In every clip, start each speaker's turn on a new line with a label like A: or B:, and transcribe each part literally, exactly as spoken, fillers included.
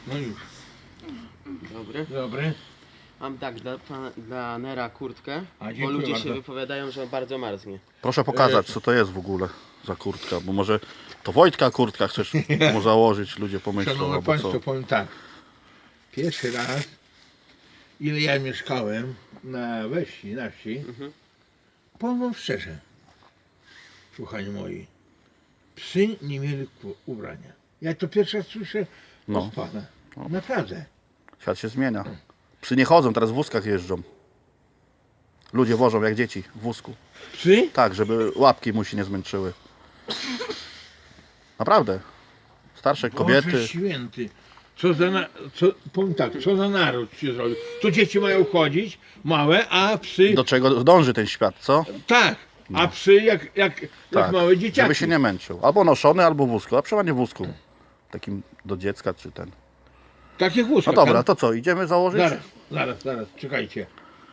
A: No już.
B: Dobry.
A: Dobry.
B: Mam tak, dla, pana- dla Nera kurtkę,
A: A,
B: bo
A: dziękuję
B: ludzie
A: bardzo.
B: się wypowiadają, że bardzo marznie.
C: Proszę pokazać, co to jest w ogóle za kurtka, bo może to Wojtka kurtka chcesz mu założyć, ludzie pomyślą,
A: Szanowni
C: albo
A: Państwo,
C: co.
A: powiem tak. Pierwszy raz, ile ja mieszkałem na we wsi, na wsi,
B: Mhm.
A: powiem wam szczerze, słuchani moi, psy nie mieli ku- ubrania. Ja to pierwszy raz słyszę
C: No.
A: od pana. Naprawdę.
C: Świat się zmienia. Psy nie chodzą, teraz w wózkach jeżdżą. Ludzie wożą jak dzieci w wózku.
A: Psy?
C: Tak, żeby łapki mu się nie zmęczyły. Naprawdę. Starsze kobiety.
A: Boże święty. Co za, na, co, powiem tak, co za naród się zrobił. Tu dzieci mają chodzić, małe, a psy,
C: Do czego dąży ten świat, co?
A: tak, a psy jak, jak, jak
C: Tak,
A: małe dzieciaki.
C: żeby się nie męczył. Albo noszony, albo w wózku, a przeważnie w wózku. Takim do dziecka czy ten.
A: Takie wózka.
C: No dobra,
A: tak?
C: to co, idziemy założyć?
A: Zaraz, zaraz, zaraz, czekajcie.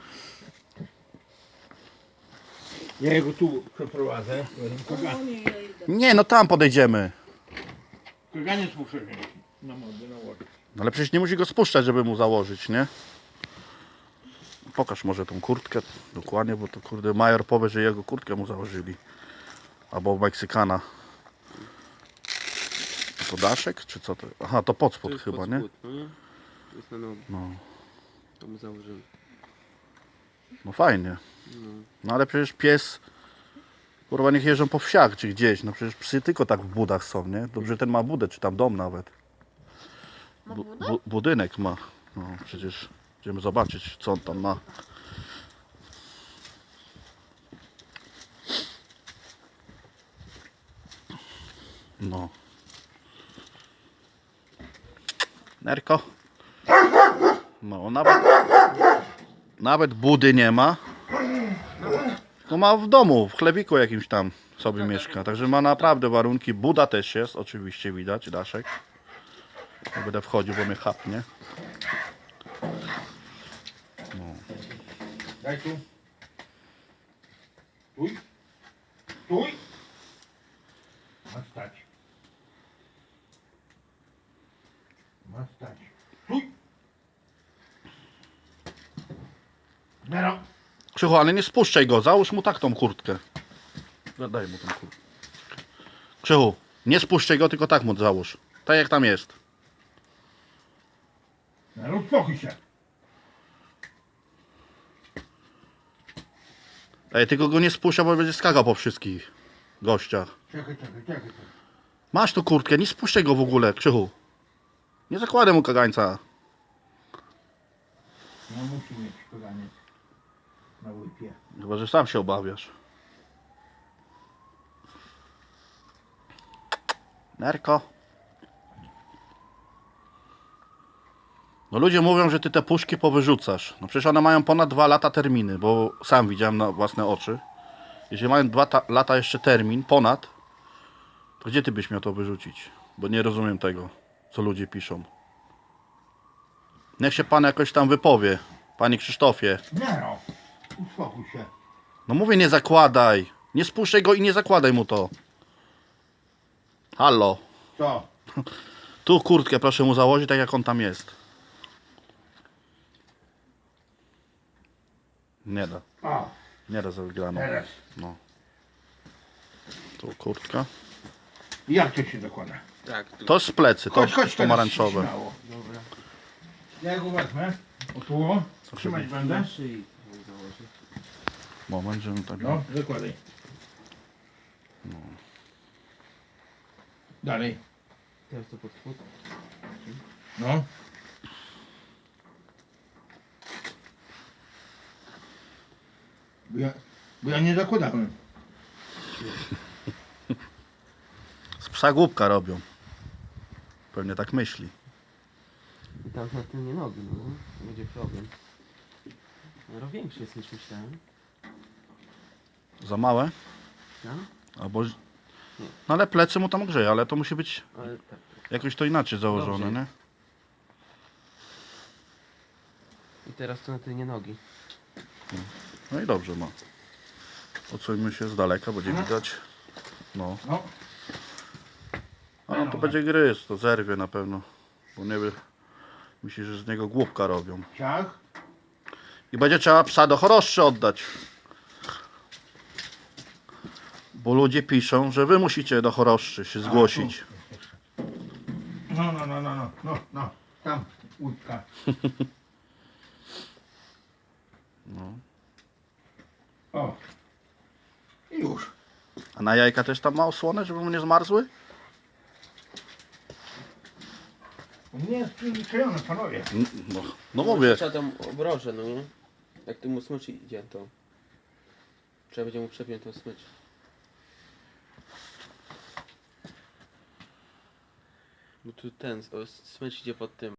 A: Ja jego tu przeprowadzę. Kagan-
C: Nie, no tam podejdziemy.
A: Kaganiec muszę wziąć na mordę, na łodzie.
C: No ale przecież nie musi go spuszczać, żeby mu założyć, nie? Pokaż może tą kurtkę dokładnie, bo to kurde major powie, że jego kurtkę mu założyli. Albo Meksykana. To daszek, czy co to? Aha, to pod
B: To
C: spód
B: jest
C: chyba,
B: pod
C: nie?
B: spód, no nie? To jest na nogi.
C: No,
B: To mu założyłem.
C: no fajnie. No ale przecież pies, kurwa, niech jeżdżą po wsiach czy gdzieś. No przecież psy tylko tak w budach są, nie? Dobrze, ten ma budę, czy tam dom nawet. Bu bu budynek ma. No przecież idziemy zobaczyć, co on tam ma. No. Nerko. No, nawet, nawet budy nie ma. Tylko ma w domu, w chlebiku jakimś tam sobie mieszka. Także ma naprawdę warunki. Buda też jest, oczywiście widać, daszek. Nie będę wchodził, bo mnie chapnie.
A: Daj tu. Tuj. Tuj. Ma stać. Ma stać. Tuj. Nero.
C: Krzychu, ale nie spuszczaj go, załóż mu tak tą kurtkę. Daj mu tą kurtkę. Krzychu, nie spuszczaj go, tylko tak mu załóż. Tak jak tam jest.
A: Nero, uspokój się.
C: Ej, tylko go nie spuszczaj, bo będzie skakał po wszystkich gościach.
A: Czekaj, czekaj, czekaj. czekaj.
C: Masz tu kurtkę, nie spuszczaj go w ogóle, Krzychu. Nie zakładaj mu kagańca.
A: No musi mieć kaganiec na łypie.
C: Chyba, że sam się obawiasz. Nerko. No ludzie mówią, że ty te puszki powyrzucasz. No przecież one mają ponad dwa lata terminy, bo sam widziałem na własne oczy. Jeśli mają dwa ta- lata jeszcze termin, ponad, to gdzie ty byś miał to wyrzucić? Bo nie rozumiem tego, co ludzie piszą. Niech się pan jakoś tam wypowie, panie Krzysztofie.
A: Nero, uspokój się.
C: No mówię, nie zakładaj. Nie spuszczaj go i nie zakładaj mu to. Hallo.
A: Co?
C: Tu kurtkę proszę mu założyć, tak jak on tam jest. Nie da.
A: A,
C: Nie da za wygraną.
A: teraz.
C: No. Tu kurtka.
A: Jak to się dokłada?
B: Tak, tu.
C: To jest z plecy, to
A: Chodź, chodź,
C: pomarańczowe.
A: teraz śmiało.
B: Dobra.
A: Ja go wezmę. O tu, o. Trzymać będę.
B: Na szyi mu założę.
C: Moment, żebym tak...
A: No, zakładaj. Dalej.
B: Teraz to pod spód.
A: No. Bo ja, bo ja nie zakładałem.
C: Z psa głupka robią. Pewnie tak myśli.
B: I tam na tylnie nogi, no. To będzie problem. No większy jest niż myślałem.
C: Za małe?
B: No?
C: Albo... No ale plecy mu tam grzeje, ale to musi być
B: Ale tak.
C: jakoś to inaczej założone,
B: Dobrze.
C: nie?
B: I teraz to na tylnie nogi.
C: No i dobrze ma. Odsuńmy się z daleka, będzie widać. No.
A: No.
C: A no to będzie gryz, to zerwie na pewno. Bo nie wie, Myślisz, że z niego głupka robią.
A: Ciach.
C: I będzie trzeba psa do choroszczy oddać. Bo ludzie piszą, że wy musicie do choroszczy się zgłosić.
A: No, no, no, no, no, no, no. Tam łódka.
C: No.
A: O. I już.
C: A na jajka też tam ma osłonę, żeby mu nie zmarzły?
A: U mnie jest przyzwyczajone, panowie.
C: N- No, no mówię.
B: Trzeba tam obroże, no nie? Jak ty mu smycz idzie, to trzeba będzie mu przepiąć tą smycz. Bo tu ten, o, smycz idzie pod tym.